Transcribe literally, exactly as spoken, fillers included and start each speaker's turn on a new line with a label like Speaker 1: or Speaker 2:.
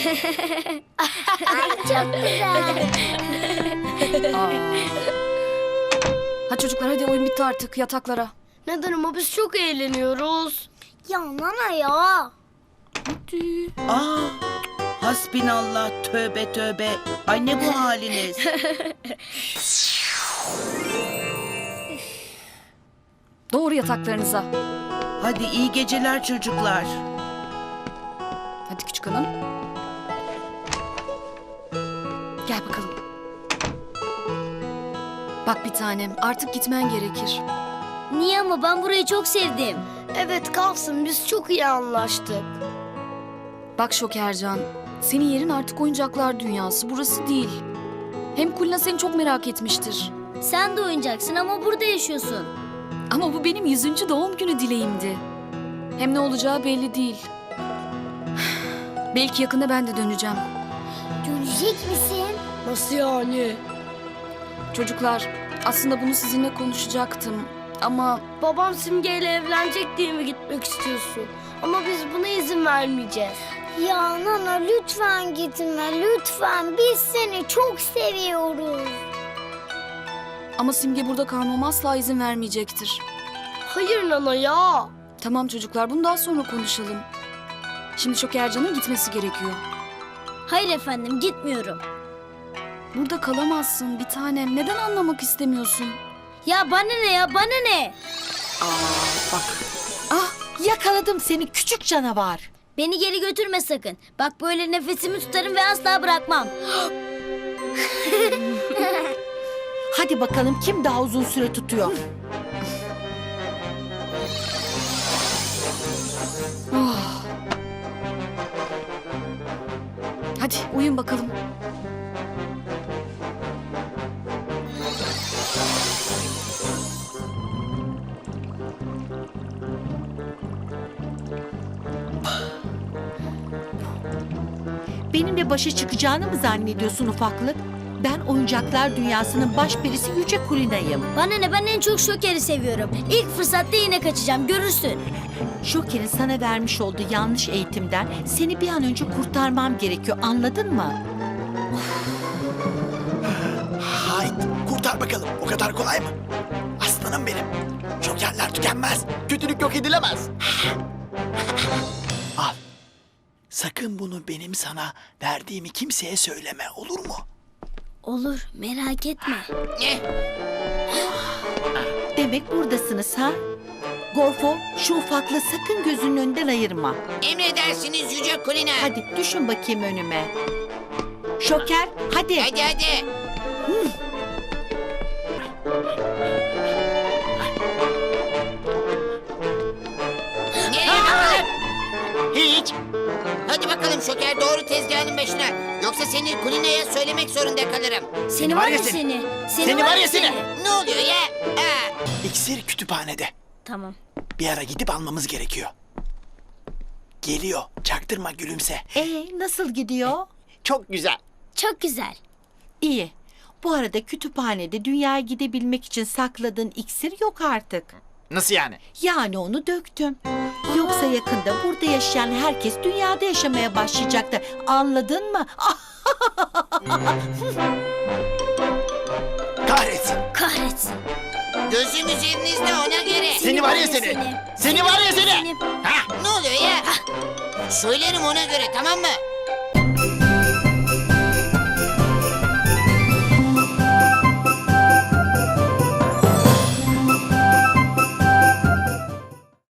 Speaker 1: Ay çok güzel.
Speaker 2: Aa. Hadi çocuklar, hadi oyun bitti artık, yataklara.
Speaker 3: Neden ama biz çok eğleniyoruz.
Speaker 1: Ya nana ya.
Speaker 2: Hadi.
Speaker 4: Aa, hasbinallah, tövbe tövbe. Ay ne bu haliniz?
Speaker 2: Doğru yataklarınıza.
Speaker 4: Hadi iyi geceler çocuklar.
Speaker 2: Hadi küçük hanım. Gel bakalım. Bak bir tanem, artık gitmen gerekir.
Speaker 1: Niye ama ben burayı çok sevdim.
Speaker 3: Evet kalsın, biz çok iyi anlaştık.
Speaker 2: Bak Şokercan, senin yerin artık oyuncaklar dünyası, burası değil. Hem Kulina seni çok merak etmiştir.
Speaker 1: Sen de oyuncaksın ama burada yaşıyorsun.
Speaker 2: Ama bu benim yüzüncü doğum günü dileğimdi. Hem ne olacağı belli değil. Belki yakında ben de döneceğim.
Speaker 1: Dönecek misin?
Speaker 3: Nasıl yani?
Speaker 2: Çocuklar, aslında bunu sizinle konuşacaktım. Ama
Speaker 3: Babam Simge ile evlenecek diye mi gitmek istiyorsun? Ama biz buna izin vermeyeceğiz.
Speaker 1: Ya nana lütfen gitme lütfen. Biz seni çok seviyoruz.
Speaker 2: ama Simge burada kalmama asla izin vermeyecektir.
Speaker 3: Hayır Nana ya.
Speaker 2: Tamam çocuklar, bunu daha sonra konuşalım. Şimdi Şokercan'ın gitmesi gerekiyor.
Speaker 1: Hayır efendim gitmiyorum.
Speaker 2: Burada kalamazsın bir tanem. Neden anlamak istemiyorsun?
Speaker 1: Ya bana ne ya bana ne?
Speaker 5: Aa bak. Ah yakaladım seni küçük canavar.
Speaker 1: Beni geri götürme sakın. Bak böyle nefesimi tutarım ve asla bırakmam.
Speaker 5: Hadi bakalım kim daha uzun süre tutuyor.
Speaker 2: Oh. Hadi uyun bakalım.
Speaker 5: Benimle başa çıkacağını mı zannediyorsun ufaklık? Ben oyuncaklar dünyasının baş perisi Yüce Kulina'yım.
Speaker 1: Bana ne ben en çok Şoker'i seviyorum. İlk fırsatta yine kaçacağım görürsün.
Speaker 5: Şoker'in sana vermiş olduğu yanlış eğitimden seni bir an önce kurtarmam gerekiyor, anladın mı?
Speaker 6: Haydi kurtar bakalım. O kadar kolay mı? Aslanım benim. Jokerler tükenmez. Kötülük yok edilemez. Al. Sakın bunu benim sana verdiğimi kimseye söyleme, olur mu?
Speaker 1: Olur merak etme.
Speaker 5: Demek buradasınız ha? Gorfo, şu ufaklığı sakın gözünün önünden ayırma.
Speaker 7: Emredersiniz Yüce Kulina.
Speaker 5: Hadi düşün bakayım önüme. Şoker, hadi.
Speaker 7: Hadi hadi. Nereye bakalım?
Speaker 6: Hiç.
Speaker 7: Hadi bakalım Şoker, doğru tezgahın başına. Yoksa seni Kulina'ya söylemek zorunda kalırım.
Speaker 1: Seni var ya seni.
Speaker 6: Seni var ya seni.
Speaker 7: Ne oluyor ya? Aa,
Speaker 6: İksir kütüphanede.
Speaker 1: Tamam.
Speaker 6: Bir ara gidip almamız gerekiyor. Geliyor. Çaktırma, gülümse.
Speaker 5: Ee, nasıl gidiyor?
Speaker 6: Çok güzel.
Speaker 1: Çok güzel.
Speaker 5: İyi. Bu arada kütüphanede dünyaya gidebilmek için sakladığın iksir yok artık.
Speaker 6: Nasıl yani?
Speaker 5: Yani onu döktüm. Yoksa yakında burada yaşayan herkes dünyada yaşamaya başlayacaktı. Anladın mı? Ah,
Speaker 6: Kahretsin.
Speaker 1: Kahretsin.
Speaker 7: gözüm üzerinizde, ona göre.
Speaker 6: Seni var ya seni. Seni var ya seni.
Speaker 1: Seni.
Speaker 6: Ha?
Speaker 7: Ne oluyor ya? Söylerim ona göre, tamam mı?